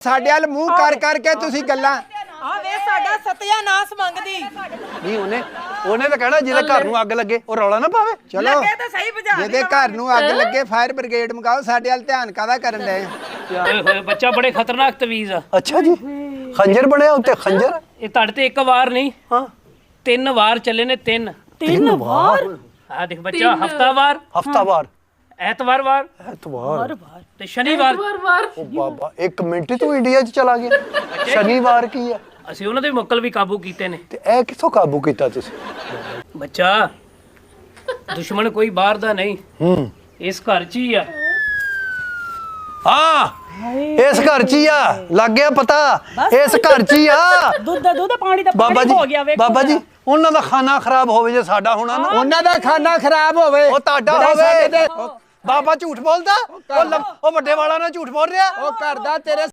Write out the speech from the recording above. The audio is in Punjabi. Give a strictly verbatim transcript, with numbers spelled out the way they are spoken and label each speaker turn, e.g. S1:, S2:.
S1: ਸਾਡੇ ਵੱਲ ਮੂੰਹ ਕਰ ਕਰਕੇ ਤੁਸੀਂ ਗੱਲਾਂ
S2: ਆ ਵੇ ਸਾਡਾ ਸਤਿਆਨਾਸ਼ ਮੰਗਦੀ
S3: ਨਹੀਂ ਉਹਨੇ ਉਹਨੇ ਤਾਂ ਕਹਿਣਾ ਜਿਹਦੇ ਘਰ ਨੂੰ ਅੱਗ ਲੱਗੇ ਉਹ ਰੌਲਾ ਨਾ ਪਾਵੇ।
S1: ਚਲੋ
S2: ਲੱਗੇ ਤਾਂ ਸਹੀ ਬੁਝਾ
S1: ਜਿਹਦੇ ਘਰ ਨੂੰ ਅੱਗ ਲੱਗੇ ਫਾਇਰ ਬ੍ਰਿਗੇਡ ਮੰਗਾਓ। ਸਾਡੇ ਵੱਲ ਧਿਆਨ ਕਾਹਦਾ ਕਰਨ ਡਏ
S4: ਓਏ ਹੋਏ ਬੱਚਾ ਬੜੇ ਖਤਰਨਾਕ ਤਵੀਜ਼ ਆ।
S3: ਅੱਛਾ ਜੀ ਖੰਜਰ ਬਣਿਆ ਉੱਤੇ ਖੰਜਰ।
S4: ਇਹ ਤੁਹਾਡੇ ਤੇ ਇੱਕ ਵਾਰ ਨਹੀਂ
S3: ਹਾਂ
S4: ਤਿੰਨ ਵਾਰ ਚੱਲੇ ਨੇ। ਤਿੰਨ
S3: ਤਿੰਨ ਵਾਰ
S4: ਆ ਦੇਖ ਬੱਚਾ ਹਫਤਾਵਾਰ
S3: ਹਫਤਾਵਾਰ
S4: ਐਤਵਾਰ ਵਾਰ
S3: ਐਤਵਾਰ
S4: ਤੇ ਸ਼ਨੀਵਾਰ।
S3: ਉਹ ਬਾਬਾ ਇੱਕ ਮਿੰਟ ਤੂੰ ਇੰਡੀਆ 'ਚ ਚਲਾ ਗਿਆ। ਸ਼ਨੀਵਾਰ ਕੀ ਆ?
S4: ਅਸੀਂ ਉਹਨਾਂ ਦੇ ਮੁਕਲ ਵੀ ਕਾਬੂ ਕੀਤੇ ਨੇ।
S3: ਤੇ ਇਹ ਕਿੱਥੋਂ ਕਾਬੂ ਕੀਤਾ ਤੁਸੀਂ?
S4: ਬੱਚਾ ਦੁਸ਼ਮਣ ਕੋਈ ਬਾਹਰ ਦਾ ਨਹੀਂ
S3: ਹੂੰ
S4: ਇਸ ਘਰ 'ਚ ਹੀ ਆ।
S3: ਹਾਂ ਇਸ ਘਰ 'ਚ ਹੀ ਆ। ਲੱਗ ਗਿਆ ਪਤਾ ਇਸ ਘਰ 'ਚ ਹੀ ਆ।
S2: ਦੁੱਧ ਦੁੱਧ ਪਾਣੀ ਦਾ
S3: ਬਾਬਾ
S2: ਪਾਣੀ
S3: ਜੀ
S2: ਹੋ ਗਿਆ ਵੇਖੋ
S3: ਬਾਬਾ ਜੀ ਉਹਨਾਂ ਦਾ ਖਾਣਾ ਖਰਾਬ ਹੋਵੇ ਜੇ ਸਾਡਾ ਹੋਣਾ ਨਾ।
S1: ਉਹਨਾਂ ਦਾ ਖਾਣਾ ਖਰਾਬ ਹੋਵੇ
S3: ਉਹ ਤੁਹਾਡਾ
S1: ਜਿਹੜਾ ਸਾਡੇ
S3: ਹੋਵੇ।
S1: ਤੇ-
S3: ਬਾਬਾ ਝੂਠ ਬੋਲਦਾ। ਉਹ ਲ- ਉਹ ਵੱਡੇ ਵਾਲਾ ਨਾਲ ਝੂਠ ਬੋਲ ਰਿਹਾ।
S1: ਉਹ ਘਰ ਦਾ ਤੇਰੇ